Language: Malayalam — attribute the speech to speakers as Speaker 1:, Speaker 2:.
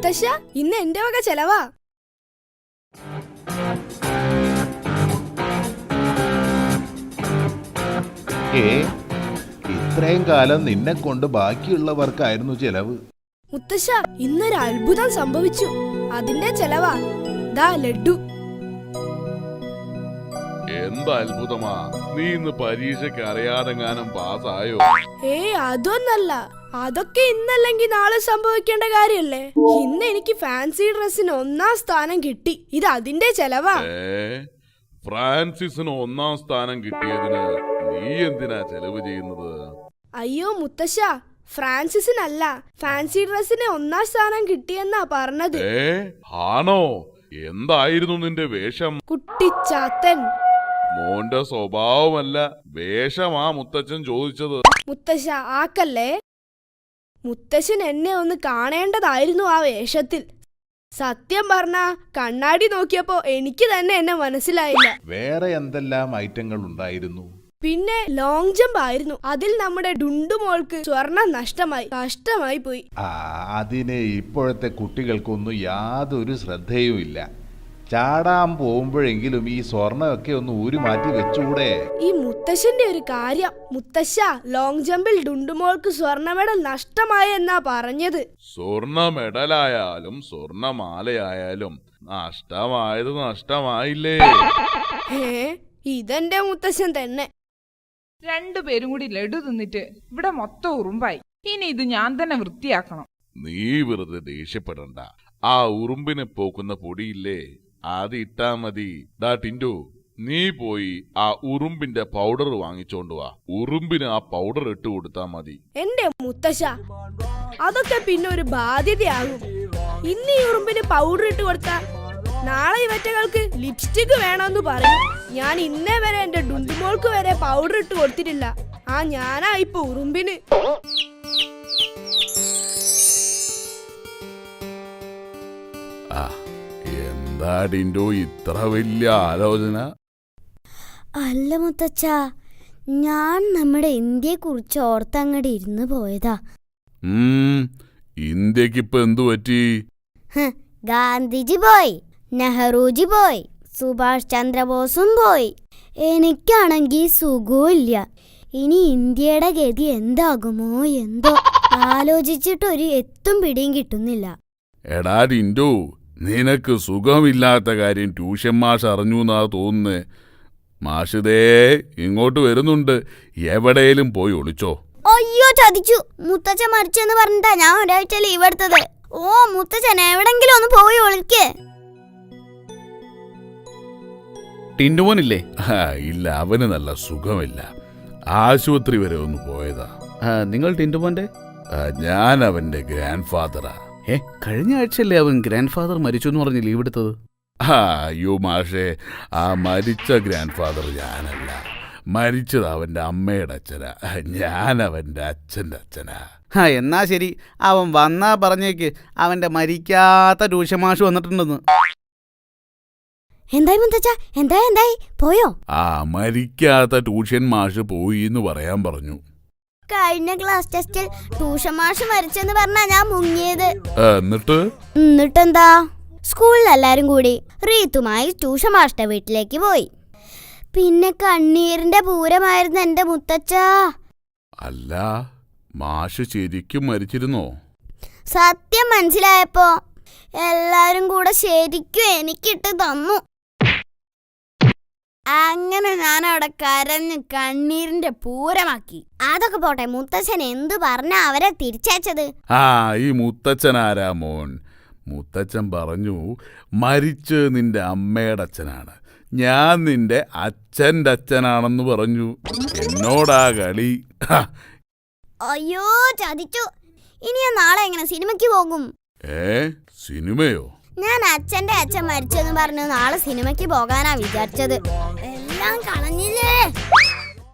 Speaker 1: മുത്തശ്ശ, ഇന്ന് എന്റെ വക ചെലവാ.
Speaker 2: ഇത്രയും കാലം നിന്നെ കൊണ്ട് ബാക്കിയുള്ളവർക്കായിരുന്നു ചെലവ്.
Speaker 1: മുത്തശ്ശ, ഇന്നൊരു അത്ഭുതം സംഭവിച്ചു. അതിന്റെ ചെലവാ. ദാ ലഡ്ഡു.
Speaker 3: എന്താ അത്ഭുതമാ? നീ ഇന്ന് പരീക്ഷയ്ക്ക് അറിയാതെങ്ങാനും പാസ്സായോ?
Speaker 1: അതൊന്നല്ല. അതൊക്കെ ഇന്നല്ലെങ്കിൽ നാളെ സംഭവിക്കേണ്ട കാര്യല്ലേ. ഇന്ന് എനിക്ക് ഫാൻസി ഡ്രസ്സിന് 1ാം സ്ഥാനം കിട്ടി. ഇത് അതിന്റെ ചെലവാ.
Speaker 3: ഫ്രാൻസിസിന് 1ാം സ്ഥാനം കിട്ടിയതിന് നീ എന്തിനാ ചെലവ് ചെയ്യുന്നത്?
Speaker 1: അയ്യോ മുത്തശ്ശ, ഫ്രാൻസിസിനല്ല, ഫാൻസി ഡ്രസ്സിന് 1ാം സ്ഥാനം കിട്ടിയെന്നാ പറഞ്ഞത്.
Speaker 3: ആണോ? എന്തായിരുന്നു നിന്റെ വേഷം?
Speaker 1: കുട്ടിച്ചാത്തൻ.
Speaker 3: മോന്റെ സ്വഭാവമല്ല, വേഷമാ മുത്തച്ഛൻ ചോദിച്ചത്.
Speaker 1: മുത്തശ്ശ ആക്കല്ലേ. മുത്തശ്ശൻ എന്നെ ഒന്ന് കാണേണ്ടതായിരുന്നു ആ വേഷത്തിൽ. സത്യം പറഞ്ഞ കണ്ണാടി നോക്കിയപ്പോ എനിക്ക് തന്നെ എന്നെ മനസ്സിലായില്ല.
Speaker 2: വേറെ എന്തെല്ലാം ഐറ്റങ്ങൾ ഉണ്ടായിരുന്നു?
Speaker 1: പിന്നെ ലോങ് ജമ്പ് ആയിരുന്നു. അതിൽ നമ്മുടെ ഡുണ്ടുമോൾക്ക് സ്വർണം കഷ്ടമായി പോയി.
Speaker 2: അതിന് ഇപ്പോഴത്തെ കുട്ടികൾക്കൊന്നും യാതൊരു ശ്രദ്ധയും ഇല്ല. ചാടാൻ പോകുമ്പോഴെങ്കിലും ഈ സ്വർണ്ണമൊക്കെ ഒന്ന് ഊരി മാറ്റി വെച്ചുകൂടെ?
Speaker 1: ഈ മുത്തശ്ശന്റെ ഒരു കാര്യം. മുത്തശ്ശ, ലോങ് ജമ്പിൽ ഡുണ്ടുമോൾക്ക് സ്വർണ്ണ മെഡൽ നഷ്ടമായെന്നാ പറഞ്ഞത്.
Speaker 3: സ്വർണ്ണ മെഡലായാലും സ്വർണ്ണമാലയായാലും നഷ്ടമായത് നഷ്ടമായില്ലേ?
Speaker 1: ഇതെന്റെ മുത്തശ്ശൻ തന്നെ.
Speaker 4: രണ്ടുപേരും കൂടി ലഡു തിന്നിട്ട് ഇവിടെ മൊത്തം ഉറുമ്പായി. ഇനി ഇത് ഞാൻ തന്നെ വൃത്തിയാക്കണം.
Speaker 3: നീ വെറുതെ ദേഷ്യപ്പെടണ്ട. ആ ഉറുമ്പിനെ പോക്കുന്ന പൊടിയില്ലേ, അത് ഇട്ടാ മതി. ഡാ ടിൻഡു, നീ പോയി ആ ഉറുമ്പിന്റെ പൗഡർ വാങ്ങിച്ചോണ്ട് വാ. ഉറുമ്പിന് ആ പൗഡർ ഇട്ട് കൊടുത്താ മതി.
Speaker 1: എന്റെ മുത്തശ്ശ, അതൊക്കെ പിന്നെ ഒരു ബാധ്യതയാകും. ഇന്ന് ഈ ഉറുമ്പിന് പൗഡർ ഇട്ട് കൊടുത്താ നാളെ ഇവറ്റകൾക്ക് ലിപ്സ്റ്റിക് വേണമെന്ന് പറയും. ഞാൻ ഇന്നേ വരെ എന്റെ ഡുണ്ടുമോൾക്ക് വരെ പൗഡർ ഇട്ട് കൊടുത്തിട്ടില്ല. ഞാനാ ഇപ്പൊ ഉറുമ്പിന്.
Speaker 3: എന്താ ടിൻഡു ഇത്ര വലിയ ആലോചന?
Speaker 5: അല്ല മുത്തച്ഛ, ഞാൻ നമ്മുടെ ഇന്ത്യയെ കുറിച്ച് ഓർത്തങ്ങടെ ഇരുന്ന് പോയതാ.
Speaker 3: ഇന്ത്യക്കിപ്പൊ എന്തു പറ്റി?
Speaker 5: ഗാന്ധിജി പോയി, നെഹ്റുജി പോയി, സുഭാഷ് ചന്ദ്രബോസും പോയി. എനിക്കാണെങ്കിൽ സുഖമില്ല. ഇനി ഇന്ത്യയുടെ ഗതി എന്താകുമോ എന്തോ. ആലോചിച്ചിട്ടൊരു എത്തും പിടിയും കിട്ടുന്നില്ല.
Speaker 3: എടാ ടിൻഡു, നിനക്ക് സുഖമില്ലാത്ത കാര്യം ട്യൂഷൻ മാഷ് അറിഞ്ഞു എന്നാ തോന്നുന്നേ. മാഷിതേ ഇങ്ങോട്ട് വരുന്നുണ്ട്. എവിടെയും പോയി ഒളിച്ചോ.
Speaker 5: അയ്യോ ചതിച്ചു. മുത്തച്ഛൻ മരിച്ചെന്ന് പറഞ്ഞിട്ടാ ഞാൻ ഒരാഴ്ച ലീവ് എടുത്തത്. മുത്തച്ഛൻ എവിടെങ്കിലും ഒന്ന് പോയി ഒളിക്കേ.
Speaker 6: ടിൻഡുമോനില്ലേ?
Speaker 3: ഇല്ല, അവന് നല്ല സുഖമില്ല. ആശുപത്രി വരെ ഒന്ന് പോയതാ.
Speaker 6: നിങ്ങൾ ടിൻഡുമോന്റെ?
Speaker 3: ഞാൻ അവന്റെ ഗ്രാൻഡ് ഫാദറാ.
Speaker 6: കഴിഞ്ഞ ആഴ്ചയല്ലേ അവൻ ഗ്രാൻഡ് ഫാദർ മരിച്ചു എന്ന് പറഞ്ഞ് ലീവ് എടുത്തത്?
Speaker 3: അയ്യോ മാഷേ, ആ മരിച്ച ഗ്രാൻഡ് ഫാദർ ഞാനല്ല. മരിച്ചത് അവന്റെ അമ്മയുടെ അച്ഛനാ. ഞാൻ അവന്റെ അച്ഛൻ്റെ അച്ഛനാ.
Speaker 6: എന്നാ ശരി, അവൻ വന്നാ പറഞ്ഞേക്ക് അവന്റെ മരിക്കാത്ത ട്യൂഷൻ മാഷ് വന്നിട്ടുണ്ടെന്ന്.
Speaker 5: എന്തായി മുത്തച്ഛ, എന്തായി പോയോ?
Speaker 3: മരിക്കാത്ത ട്യൂഷൻ മാഷ് പോയി എന്ന് പറയാൻ പറഞ്ഞു.
Speaker 5: കഴിഞ്ഞ ക്ലാസ് ടെസ്റ്റിൽ ട്യൂഷൻ മാഷ് മരിച്ചെന്ന് പറഞ്ഞാ ഞാൻ മുങ്ങിയത്.
Speaker 3: എന്നിട്ടെന്താ?
Speaker 5: സ്കൂളിൽ എല്ലാരും കൂടി റീത്തുമായി ട്യൂഷൻ മാഷിന്റെ വീട്ടിലേക്ക് പോയി. പിന്നെ കണ്ണീരിന്റെ പൂരമായിരുന്നു എന്റെ മുത്തച്ഛ.
Speaker 3: അല്ല, മാഷ് ശരിക്കും മരിച്ചിരുന്നോ?
Speaker 5: സത്യം മനസ്സിലായപ്പോ എല്ലാരും കൂടെ ശരിക്കും എനിക്കിട്ട് തന്നു. അങ്ങനെ ഞാൻ അവിടെ കരഞ്ഞ് കണ്ണീരിന്റെ പൂരമാക്കി. അതൊക്കെ പോട്ടെ, മുത്തച്ഛൻ എന്തു പറഞ്ഞാ അവരെ തിരിച്ചയച്ചത്?
Speaker 3: ഈ മുത്തച്ഛൻ ആരാ മോൻ? മുത്തച്ഛൻ പറഞ്ഞു മരിച്ച് നിന്റെ അമ്മയുടെ അച്ഛനാണ്, ഞാൻ നിന്റെ അച്ഛൻ്റെ അച്ഛനാണെന്ന് പറഞ്ഞു. എന്നോടാ കളി.
Speaker 5: അയ്യോ ചതിച്ചു. ഇനി ഞാൻ നാളെ എങ്ങനെ സിനിമയ്ക്ക് പോകും?
Speaker 3: സിനിമയോ?
Speaker 5: ഞാൻ അച്ഛന്റെ അച്ഛൻ മരിച്ചെന്ന് പറഞ്ഞു നാളെ സിനിമയ്ക്ക് പോകാനാ വിചാരിച്ചത്. എല്ലാം കളഞ്ഞില്ലേ.